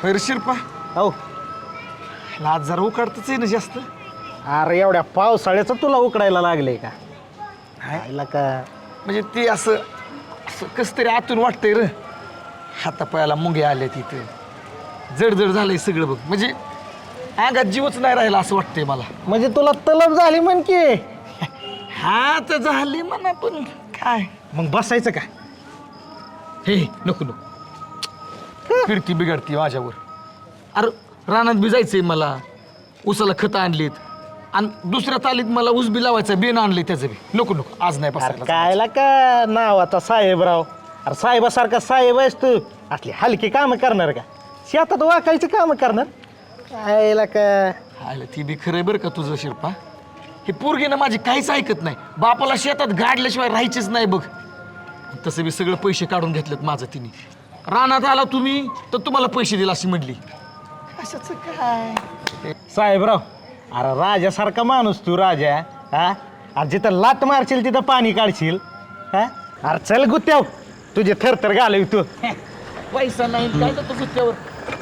होय रे शिरपा. हो. आज जरा उकडतच आहे ना जास्त. अरे एवढ्या पावसाळ्याचं तुला उकडायला लागले का? आयला का म्हणजे ते असं असं कस तरी आतून वाटतंय र. हातापायाला मुंगे आले तिथे, जड झालंय सगळं बघ. म्हणजे अंगात जीवच नाही राहिला असं वाटतंय मला. म्हणजे तुला तलब झाली म्हण की. हा तर झाली म्हणा, पण काय मग बसायचं का? हे नको नको, फिरती बिघडती माझ्यावर. अरे रानात बी जायचंय मला, उसाला खतं आणलीत आणि दुसऱ्या तालीत मला ऊस बी लावायचं, बेन आणले त्याचं बी. नको नको, आज नाही बसायला. कायला का नावाचा साहेबराव? अरे साहेबासारखा साहेब आहेस तू, असली हलकी कामं करणार का? शेतात वाकायची कामं करणार? कायला का आलं ती बी खरंय बरं का तुझं शिरपा. हे पोरगी ना माझी काहीच ऐकत नाही. बापाला शेतात गाडल्याशिवाय राहायचीच नाही बघ. तसं बी सगळं पैसे काढून घेतलेत माझं तिने. रानात आला तुम्ही तर तुम्हाला पैसे दिला अशी म्हणली. कशाचं काय साहेबराव? अरे राजासारखा माणूस तू राजा. हा? अरे जिथं लात मारशील तिथं पाणी काढशील. हा? अरे चल गुत्याव, तुझे थरथर घालवी तू. पैसा नाही काय तर तू त्यावर.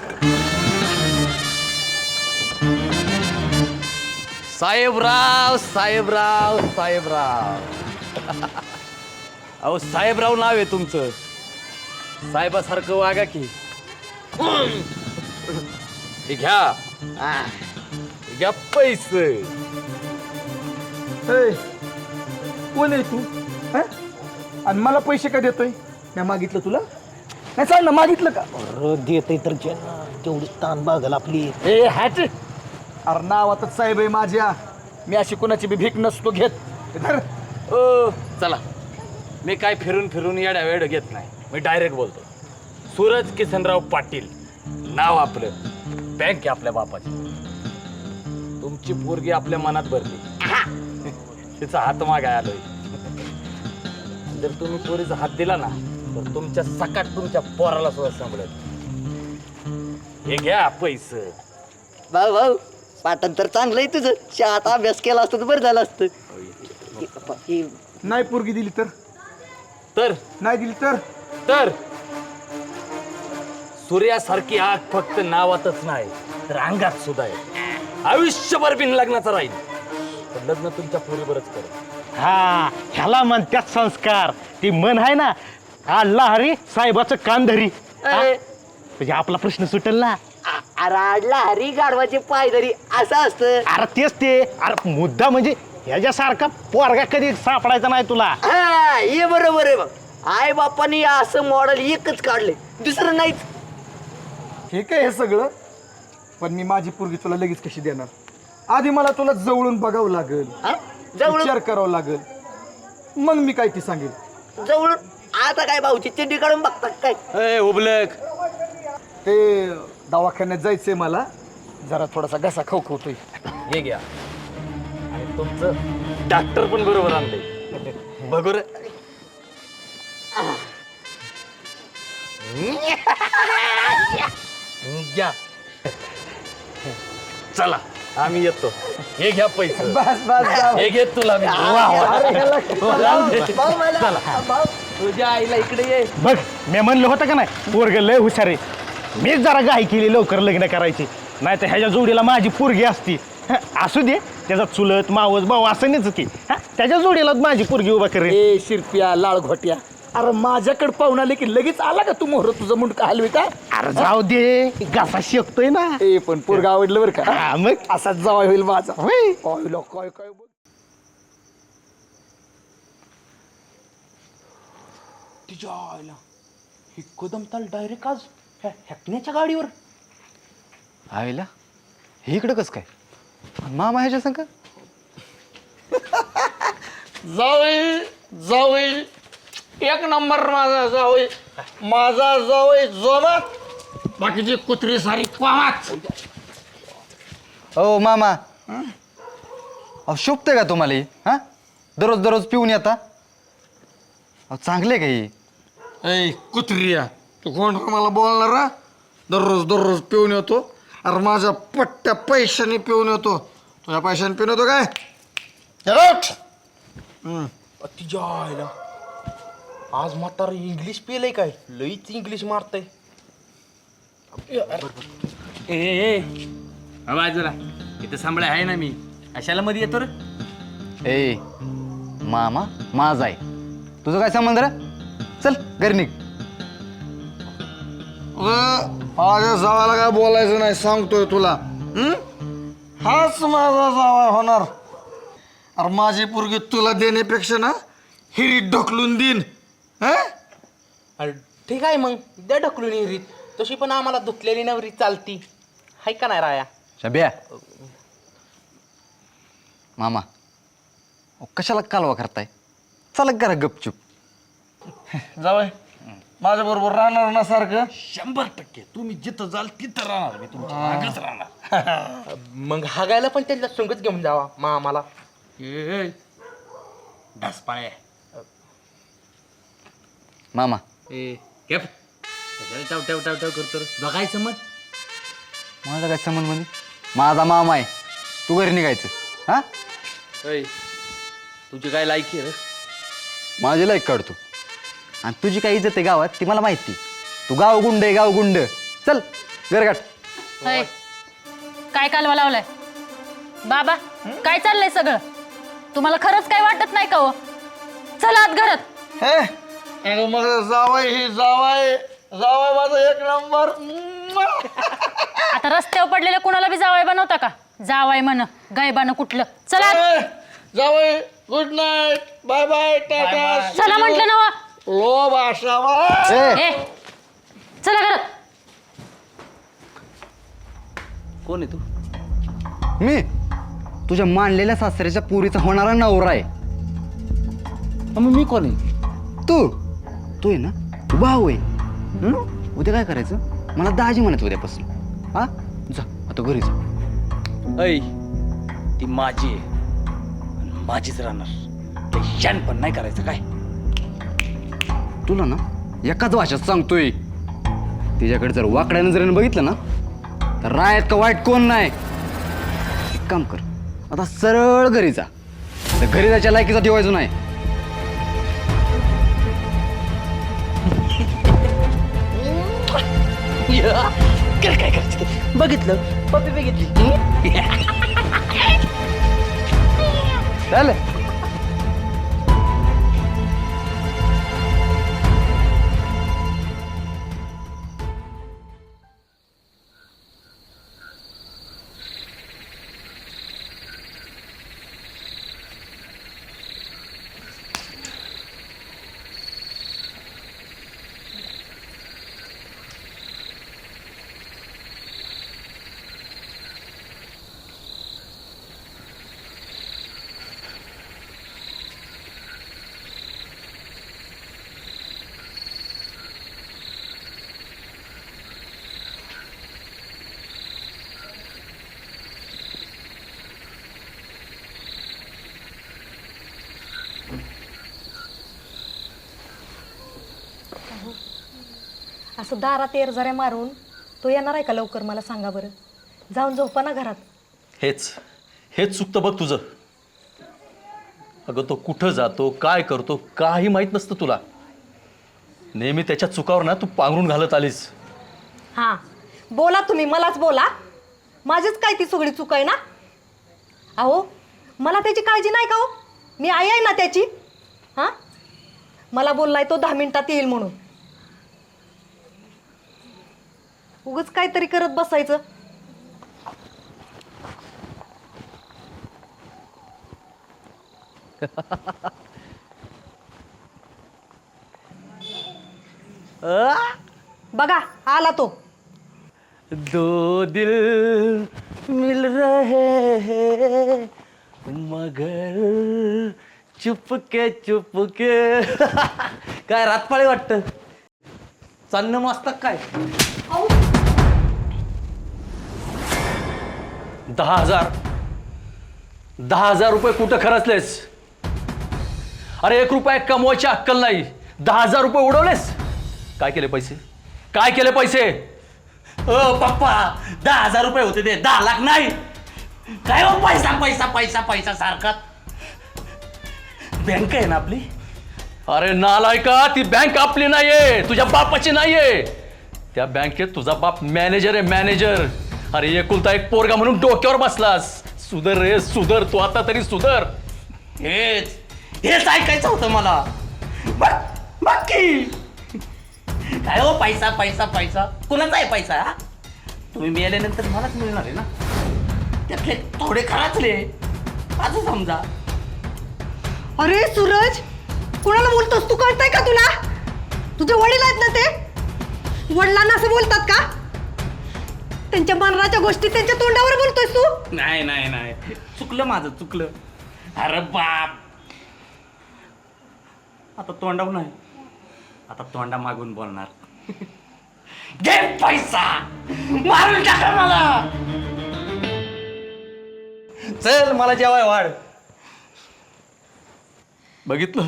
साहेबराव साहेबराव साहेबराव. अहो साहेबराव नाव आहे तुमचं. साहेबासारखं वागा की. हे घ्या, हे घ्या पैसे. कोण आहे तू हा? आणि मला पैसे का देतोय? मी मागितलं तुला? नाही सांग ना, मागितलं का? अरे देते तर तेवढी ताण बागल आपली. ए हॅट. अरे नावातच साहेब आहे माझ्या. मी अशी कोणाची बी भीक नसतो घेत. धर. ओ चला, मी काय फिरून फिरून येड्या वेळ घेत नाही. मी डायरेक्ट बोलतो. सूरज किसनराव पाटील नाव आपलं. बँक आहे आपल्या बापाची. तुमची पोरगी आपल्या मनात भरली. तिचा हात मागाय आलोय. जर तुम्ही पोरीचा हात दिला ना तर तुमच्या सकाट तुमच्या पोराला सुद्धा सांभाळत. हे घ्या पैसे. भाऊ भाऊ, पाटण तर चांगलं आहे तुझं. शाळेत अभ्यास केला असतं तर बरं झालं असतं. नाही पोरगी दिली तर? तर नाही दिली तर? तर सूर्यासारखी आग फक्त नावातच नाही तर अंगात सुद्धा आहे. आयुष्यभर बिन लग्नाचा राहील. पण लग्न तुमच्या पोरीवरच कर. हा, ह्याला म्हणतात संस्कार. ती मन आहे ना, आडला हरी साहेबाचं कान धरी. हा? म्हणजे आपला प्रश्न सुटेल ना. अरे हरी गाढवाचे पाय धरी असं असतं. अरे तेच ते. अरे मुद्दा म्हणजे ह्याच्यासारखा पोरगा कधी सापडायचा नाही तुला. हा, हे बरोबर आहे बघ. आई बापानी असं मॉडेल एकच काढले, दुसरं नाहीच. हे काय हे सगळं? पण मी माझी पोरगी तुला लगेच कशी देणार? आधी मला तुला जवळून बघावं लागेल, हा? जवळून विचार करावा लागेल, मग मी काय ती सांगेल. जवळून आता काय भाऊची चिंडी काढून बघतात काय? उबलक. ते दवाखान्यात जायचंय मला, जरा थोडासा घसा खवखवतोय. हे घ्या. आणि तुमचं डॉक्टर पण बरोबर आणले. बघू रे. घ्या. चला आम्ही येतो. हे घ्या पैसे. बस बस हे घेत तुला मी. तुझ्या आईला इकडे ये. बघ, मी म्हणलं होतं का नाही, पोरग लय हुशार आहे. मीच जरा घाई केली लवकर लग्न करायची. नाही तर ह्याच्या जोडीला माझी पोरगी असती. असू दे, त्याचा चुलत मावस भाऊ असं नाहीच की. त्याच्या जोडीला माझी पोरगी उभा करेल. ए शिरप्या लाळ घोट्या, अरे माझ्याकडे पाहून आले की लगेच आला का तू मोहर? तुझं मुंडका हलवी का? अरे जाऊ दे, घासा शेकतोय ना. ए पण पोरगा आवडलं बरं का? हा, मग असाच जावा होईल माझा. होय. काय काय बोल. तिच्या आईला ही कदमताल डायरेक्ट आज हॅकण्याच्या गाडीवर. आईला हे इकडं कसं काय? मामा ह्याच्या संग जावई जावई एक नंबर माझा जावई. माझा जावई जोमात, बाकीची कुत्री सारी क्वामात. ओ मामा, अहो शोभते का तुम्हाला ही? हा, दररोज दररोज पिऊन येता. अहो चांगले का ही? ऐ कुत्रिया, तू कोण मला बोलणार हा? दररोज पिऊन येतो. अरे माझ्या पट्ट्या पैशाने पिऊन येतो. तुझ्या पैशाने पिऊन येतो काय? तिच्या आईला आज म्हातारा इंग्लिश पेलय काय? लईच इंग्लिश मारतय. बाजूला इथं सांभाळ आहे ना मी, अशाला मध्ये येतो रे. ए मामा माझा आहे, तुझं काय संबंध रे? चल घरी निघ. माझ्या जावाला काय बोलायचं नाही सांगतोय तुला. हाच माझा जावा होणार. अरे माझी पोरगी तुला देण्यापेक्षा ना हिरीत ढकलून देईन. अरे ठीक आहे मग द्या ढकलून हिरीत. तशी पण आम्हाला धुतलेली नवरी चालती, हाय का नाही राया? शब्या मामा कशाला कालवा करताय? चला करा गपचूप. जावय माझ्या बरोबर राहणार ना सारखं. 100% तुम्ही जिथं जाल तिथं राहणार, मी तुमच्या मागच राहणार. मग हागायला पण त्यांना संगत घेऊन जावा मा आम्हाला. ढासपाळे मामा केप टाव टाव टाव टाव करतो रे. बघायचं मग माझा काय संबंध म्हणजे? माझा मामा आहे, तू घरी निघायचं. हा तुझी काय लायकी रे? माझी लाईक काढतो आणि तुझी काय इज्जत आहे गावात ती मला माहिती. तू गाव गुंड आहे, गाव गुंड. चल घरगाठ. अय, काय कालवा लावलाय बाबा? काय चाललंय सगळं? तुम्हाला खरंच काय वाटत नाही का हो? चला आत घरात. हे अरे मग जावाय ही जावाय जावाय माझा एक नंबर. आता रस्त्यावर पडलेल्या कुणाला बी जावाय बनवता का? जावाय म्हण गायबानं कुठलं. चला आत. जावाय good night, bye bye, tata. चला म्हटलं ना हो. लो भाषा. ए चला घरात. कोण आहे तू? मी तुझ्या मानलेल्या सासऱ्याच्या पुरीचा होणारा नवरा आहे. मग मी कोण आहे? तू तू आहे ना, तू भाऊ आहे. उद्या काय करायचं? मला दाजी म्हणत उद्यापासून. हा जा आता घरी जा. ऐ ती माझी आहे आणि माझीच राहणार. ते शान पण नाही करायचं काय. तुला ना एकाच भाषेत सांगतोय, तिच्याकडे जर वाकड्या नजरेने बघितलं ना तर रायत का वाईट कोण नाही. एक काम कर, आता सरळ घरी जा. तर घरी जायच्या लायकीचा ठेवायचं नाही. काय करायचं? बघितलं पप्पी बघितली. चल. असं दारात एरझाऱ्या मारून तो येणार आहे का लवकर? मला सांगा बरं. जाऊन झोपा ना घरात. हेच चुकतं बघ तुझं. अगं तो कुठं जातो, काय करतो, काही माहीत नसतं तुला. नेहमी त्याच्या चुकावर ना तू पांघरून घालत आलीस. हां बोला तुम्ही, मलाच बोला. माझीच काय ती सगळी चूक आहे ना? अहो मला त्याची काळजी नाही का हो? मी आई आहे ना त्याची. हां मला बोललाय तो 10 मिनिटात येईल म्हणून. उगाच काहीतरी करत बसायचं. बघा आला तो. दो दिल मिल रहे हैं मगर चुपके चुपके. काय रातपाळी वाटतं? चालणं मस्त काय? 10,000 रुपये कुठं खर्चलेस? अरे 1 रुपया कमवायची अक्कल नाही, 10,000 रुपये उडवलेस. काय केले पैसे? काय केले पैसे? पप्पा 10,000 रुपये होते ते 10 लाख नाही. काय हो पैसा पैसा पैसा पैसा सारखा. बँक आहे ना आपली. अरे नालायका, ती बँक आपली नाहीये, तुझ्या बापाची नाहीये. त्या बँकेत तुझा बाप मॅनेजर आहे, मॅनेजर. अरे एकुलता एक पोरगा म्हणून डोक्यावर बसलास. सुधर रे सुधर, तू आता तरी सुधर. हेच ऐकायचं होतं मला. बाकी काय हो, पैसा पैसा पैसा कुणाचा आहे पैसा? हा? तुम्ही मिळाल्यानंतर मलाच मिळणार आहे ना. त्यातले थोडे खराचले असं समजा. अरे सूरज, कुणाला बोलतोस तू? कळतंय का तुला? तुझे वडील आहेत ना ते? वडिलांना असं बोलतात का? त्यांच्या मरणाच्या गोष्टी त्यांच्या तोंडावर बोलतोयस तू? नाही नाही नाही, चुकलं माझं, चुकलं. अरे बाप, आता तोंडावर नाही, आता तोंडा मागून बोलणार. घे पैसा, मारून टाका मला. चल मला जेवाय वाढ. बघितलं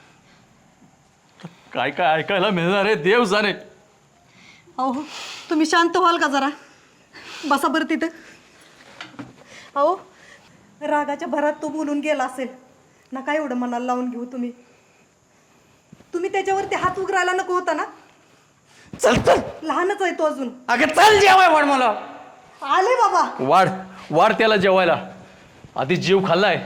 काय काय ऐकायला मिळणार आहे देव जाणे. अहो तुम्ही शांत व्हाल का जरा? बसा बरं तिथं. अहो रागाच्या भरात तो बोलून गेला असेल ना, काय एवढं मनाला लावून घेऊ तुम्ही? तुम्ही त्याच्यावरती हात उघडायला नको होता ना? चल चल, लहानच आहे तो अजून. अगं चल जेवाय वाढ मला. आले बाबा. वाढ वाढ त्याला जेवायला. आधी जीव खाल्लाय.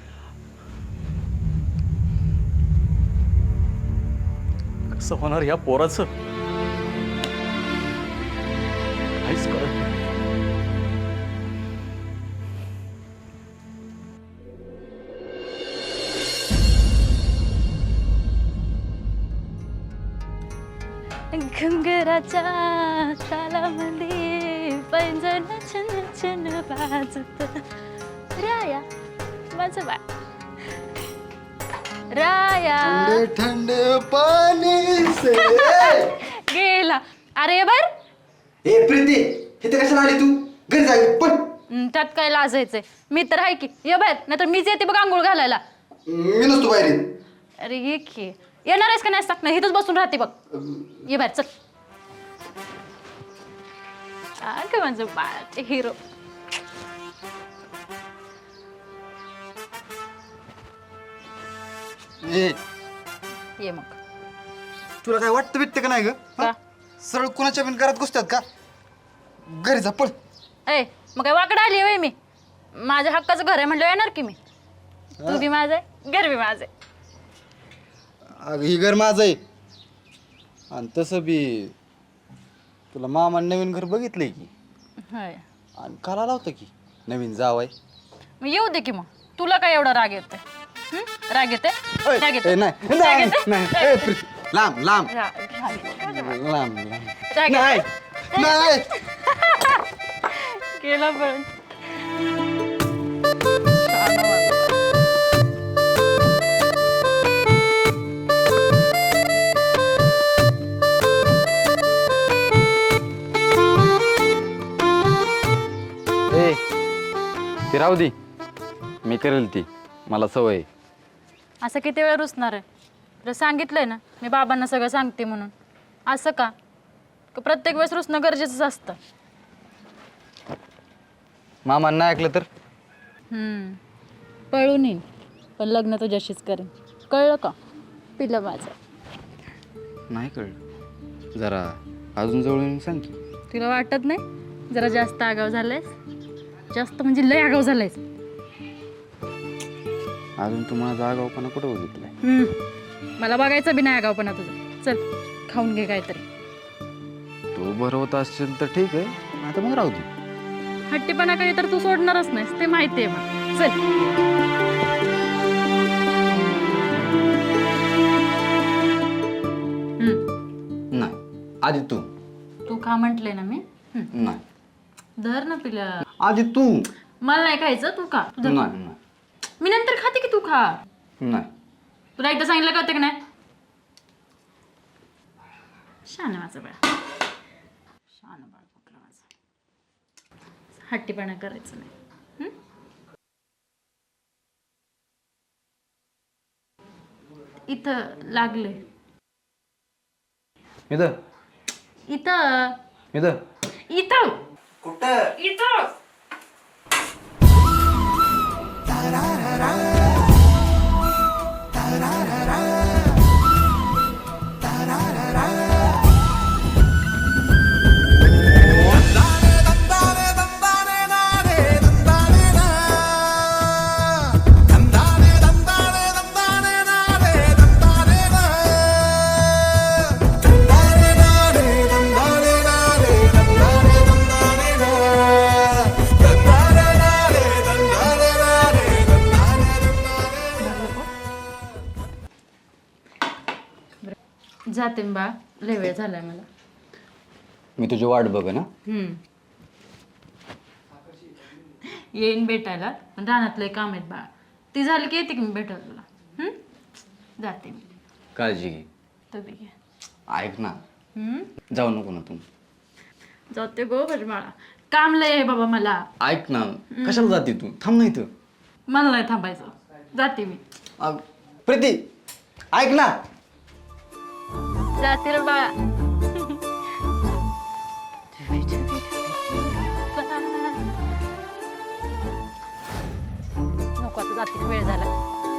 कसं होणार या पोराचं काहीच कळत नाही. घुंगराच्या तालामध्ये पैंजण छन छन वाजत. राया माझं बाळ राया ठंडे पाणी से. गेला. अरे बर ए प्रीती, इथे कशाला आली तू? घरी जाईल पण. त्यात काय लाजायचंय? मी तर आहे की. ये बाहेर, नाहीतर मीच येते बघ आंघोळ घालायला. मी नसतो बाहेर येत. अरे ये की. येणार आहेस का नाही सांग ना, इथंच बसून राहते बघ. ये बाहेर चल. अगं माझं बाळ हिरो. ए ये मग. तुला काय वाटतं बिटतं का नाही ग? का? सरळ कुणाच्या बिन घरात घुसतात का? घरी जा पळ. ए मग काय वाकडं आली होय मी? माझ्या हक्काचं घर आहे म्हणलं येणार की मी. तू बी माझं आहे, घर बी माझं आहे. अगं ही घर माझं आहे. आणि तसं बी तुला मामाने नवीन घर बघितलंय की. होय. आणि काला लावतं की नवीन जावाय. मग येऊ दे की मग. तुला काय एवढा राग येतोय? राग येते? ओय, राग ए, येते? नाही राग नाही येते? नाही. राग ए, येते? प्रीती, लांब लांब राग लांब. येते? नाही. केला पण. ए ती राहू दे, मी करेल ती. मला सवय आहे. असं किती वेळ रुसणार आहे? तुला सांगितलंय ना मी बाबांना सगळं सांगते म्हणून. असं का प्रत्येक वेळेस रुसणं गरजेचंच असतं? मामानं नाही ऐकलं तर? पळून येईन पण लग्न तुझ्याशीच करेन. कळलं का पिलं माझं? नाही कळलं. जरा अजून जवळ येऊन सांग की. तुला वाटत नाही जरा जास्त आगाव झालायस? जास्त म्हणजे लय आगाव झालायस. अजून तू माझा आगाऊपणा कुठं बघितलाय? मला बघायचं बी नाही आगावपणा तुझा. चल खाऊन घे काहीतरी. तू भरवत असशील तर ठीक आहे, आता मग राहू दे. हट्टीपणा काही तर तू सोडणारच नाहीस ते माहिती आहे मला. चल. नाही आधी तू. तू खा म्हटले ना मी. नाही धर ना पिल्या. आधी तू. मला नाही खायचं, तू खा. तुझं नाही नाही मी नंतर खाते की तू खा. नाही. तुला एकदा सांगितलं का की नाही? शान माझं बाळ. शान बाळ कुठलं माझं. हट्टीपणा करायचं नाही. इथं लागले. इथं इथं इथं इथं कुठं? इथं. जाते मी बा, लय वेळ झालाय मला. मी तुझी वाट बघ ना. येईन भेटायला, पण रानातले काम आहेत बा. ती झाली की येते की मी भेटायला तुला. जाते मी. काळजी घे. तुम्ही घ्या. ऐक ना, जाऊ नको ना तू. जाते गो मला काम लय आहे बाबा मला. ऐक ना, कशाला जाते तू? थांब नाही तर. मला नाही थांबायचं, जाते मी. प्रीती ऐक ना. जाते रे बाळा. नको आता, जाते, वेळ झाला.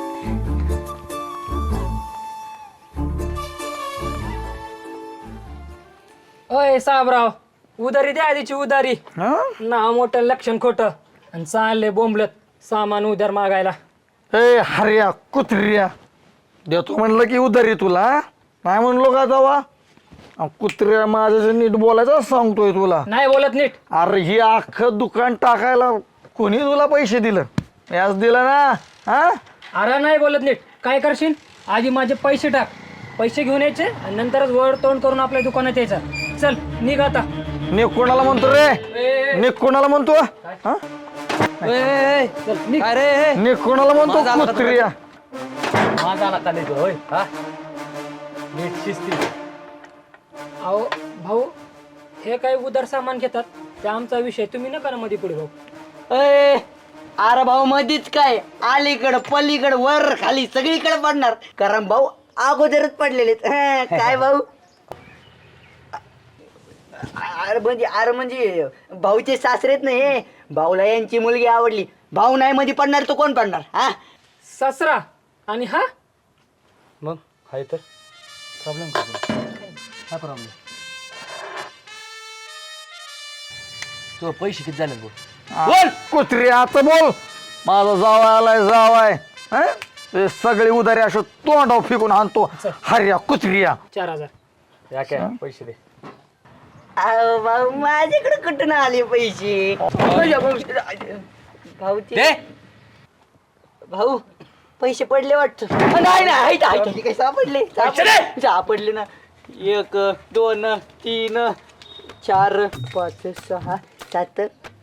अय साहेबराव, उधारी द्या आधीची उधारी. नाव मोठं लक्षण खोटं आणि चालले बोंबलत सामान उधार मागायला. ए हर्या कुत्र्या, देतो म्हणलं की उधारी तुला, नाही म्हणलो का जावा. कुत्र्या माझं नीट बोलायचं सांगतोय तुला. नाही बोलत नीट. अरे ही अख्खं दुकान टाकायला कोणी तुला पैसे दिलं? याच दिलं ना. हा अरे नाही बोलत नीट. काय करशील? आधी माझे पैसे टाक, पैसे घेऊन यायचे आणि नंतरच वर तोंड करून आपल्या दुकानात यायचं. चल निघ आता. ने कोणाला म्हणतो रे? ने कोणाला म्हणतो? हा? चल निघ. ने कोणाला म्हणतो कुत्र्या? माझा आला का नाही होय? हा नीट शिस्ती. अहो भाऊ, हे काय उधार सामान घेतात ते आमचा विषय, तुम्ही नका ना मध्ये पुढे भाऊ. अरे भाऊ मधीच काय, अलीकडं पलीकडं वर खाली सगळीकडे पडणार, कारण भाऊ अगोदरच पडलेले काय भाऊ. अरे म्हणजे भाऊचे सासरेत नाही हे, भाऊला यांची मुलगी आवडली, भाऊ नाही मध्ये पडणार तो कोण पडणार? हा सासरा आणि हा मग हाय तर प्रॉब्लेम काय प्रॉब्लेम? तो पैसे किती झाले बोल? बोल कुत्र्या, आता बोल. माझा जावाय आलाय, जावाय. हा? ते सगळे उधारी असं तोंडाव फेकून आणतो. हर्या कुत्र्या. 4000. या काय पैसे दे. अहो भाऊ माझ्याकडे कुठून आले पैसे? भाऊचे भाऊ पैसे पडले वाटत. नाही नाही काही सापडले, सापडले ना. 1 2 3 4 5 6 7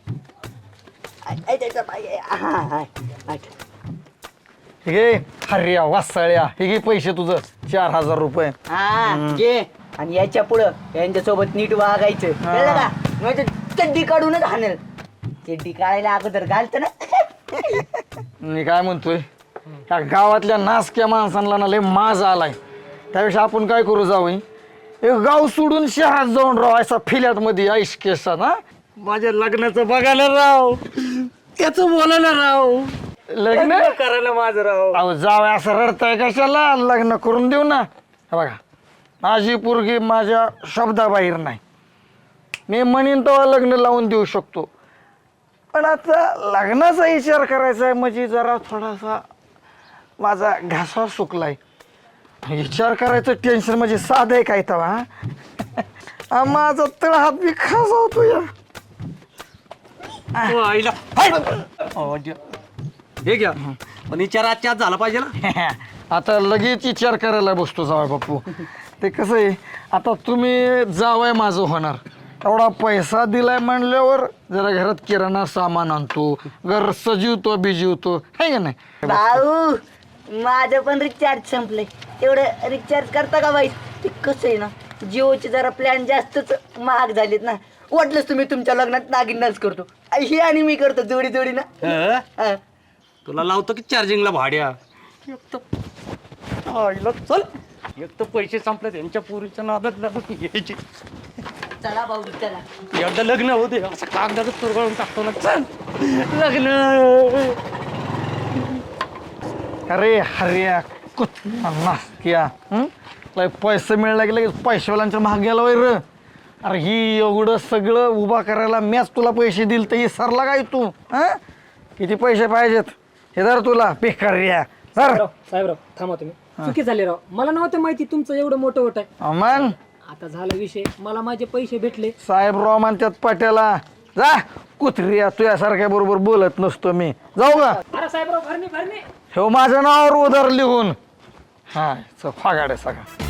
8. हे हर्या वासाळ्या, हे घे पैसे तुझं 4000 रुपये. हा घे. आणि याच्या पुढं यांच्यासोबत नीट वागायचं, कळलं का? म्हणजे चड्डी काढूनच हाणेल. चड्डी काढायला अगोदर घालतं ना. मी काय म्हणतोय, त्या गावातल्या नासक्या माणसांना ना लय माज आलाय. त्यापेक्षा आपण काय करू, जाऊ एक गाव सोडून शहरात जाऊन राव, असा फिल्याट मध्ये आईश केसात. हा माझ्या लग्नाचं बघायला राव, त्याचं बोलायला राव, लग्न करायला माझं राव. अहो जावं असं रडताय कशाला? लग्न करून देऊ ना. हे बघा, माझी पोरगी माझ्या शब्दाबाहेर नाही. मी म्हणीन तेव्हा लग्न लावून देऊ शकतो, पण आता लग्नाचा विचार करायचा आहे म्हणजे जरा थोडासा माझा घासा सुकलाय. विचार करायचं टेन्शन म्हणजे साधं आहे काय तेव्हा. माझा तळ हात बी खासावतो या. हे घ्या, पण विचार आजच्या आज झाला पाहिजे ना. आता लगेच विचार करायला बसतो जावाय बापू. ते कसं आहे, आता तुम्ही जावाय माझं होणार, एवढा पैसा दिलाय म्हणल्यावर जरा घरात किराणा सामान आणतो, घर सजीवतो बिजीवतो, आहे का नाही? भाऊ माझं पण रिचार्ज संपलंय, तेवढं रिचार्ज करता का बाई? ते कसं आहे ना, जिओचे जरा प्लॅन जास्तच महाग झालेत ना. वाटलंच तुम्ही तुमच्या लग्नात नागिन डान्स करतो, हे आणि मी करतो जोडी जोडी ना. तुला लावतो की चार्जिंगला भाड्या. चल, एक तर पैसे संपले त्यांच्या पुरीच्या नादात लागून घ्यायचे. चला भाऊ चला. एकदा लग्न होते असं कागदाचं तुरगळून टाकतो ना. चल लग्न. अरे हर्या नासक्या, लय पैसे मिळायला की लगेच पैशावाल्यांच्या महाग गेला वैर. अरे ही एवढं सगळं उभा करायला मॅच तुला पैसे दिल तर ही सरला काय तू? हा किती पैसे पाहिजेत हे जर तुला बेकार्या सर. साहेबराव थांबा तुम्ही. चुकी झाली राव, मला नव्हतं माहिती तुमचं एवढं मोठं होत आहे. अमन आता झाला विषय, मला माझे पैसे भेटले. साहेबराव म्हणतात पटेला जा कुत्र्या, तुझ्यासारख्या बरोबर बोलत नसतो मी. जाऊ का? अरे साहेबराव भरणे भरणे. हे माझ्या नावावर उधार लिहून. हा फागाडे सगळा.